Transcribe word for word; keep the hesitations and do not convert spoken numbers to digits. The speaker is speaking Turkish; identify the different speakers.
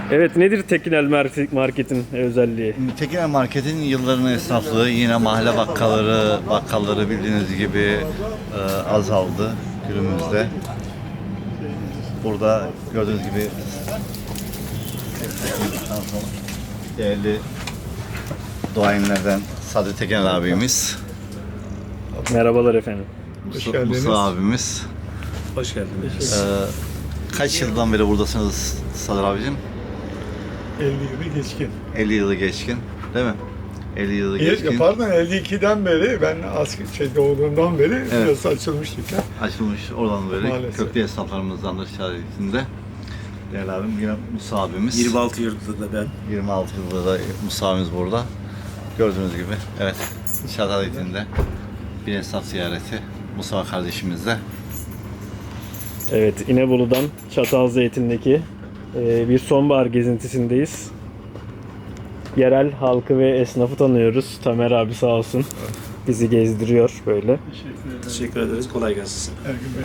Speaker 1: Evet, nedir Tekinel Mar- Market'in özelliği?
Speaker 2: Tekinel Market'in yılların esnaflığı, yine mahalle bakkalları, bakkalları bildiğiniz gibi e, azaldı günümüzde. Burada gördüğünüz gibi değerli duayenlerden Sadık Tekinel abimiz,
Speaker 1: Merhabalar efendim.
Speaker 3: Hoş
Speaker 2: Musa,
Speaker 3: geldiniz.
Speaker 2: Musa abimiz.
Speaker 1: Hoş geldiniz.
Speaker 2: E, kaç yıldan beri buradasınız Sadık abicim?
Speaker 3: elli yılı geçkin.
Speaker 2: elli yılı geçkin, değil mi? elli yılı geçkin.
Speaker 3: E, pardon elli ikiden beri ben asker şey doğduğumdan beri
Speaker 2: Evet.
Speaker 3: biraz açılmış dükkan.
Speaker 2: Açılmış oradan beri
Speaker 3: Maalesef.
Speaker 2: köklü esnaflarımızdan da şahitinde. Değerli abim yine Musa abimiz.
Speaker 4: yirmi altı yıldır da ben.
Speaker 2: yirmi altı yılda da Musa abimiz burada. Gördüğünüz gibi evet Şarkı'da bir esnaf ziyareti Musa kardeşimizle.
Speaker 1: Evet, İnebolu'dan Çatalzeytin'deki e, bir sonbahar gezintisindeyiz. Yerel halkı ve esnafı tanıyoruz. Tamer abi sağ olsun bizi gezdiriyor böyle.
Speaker 3: Teşekkür ederim.
Speaker 4: Teşekkür ederiz. Kolay gelsin.
Speaker 3: Ergün Bey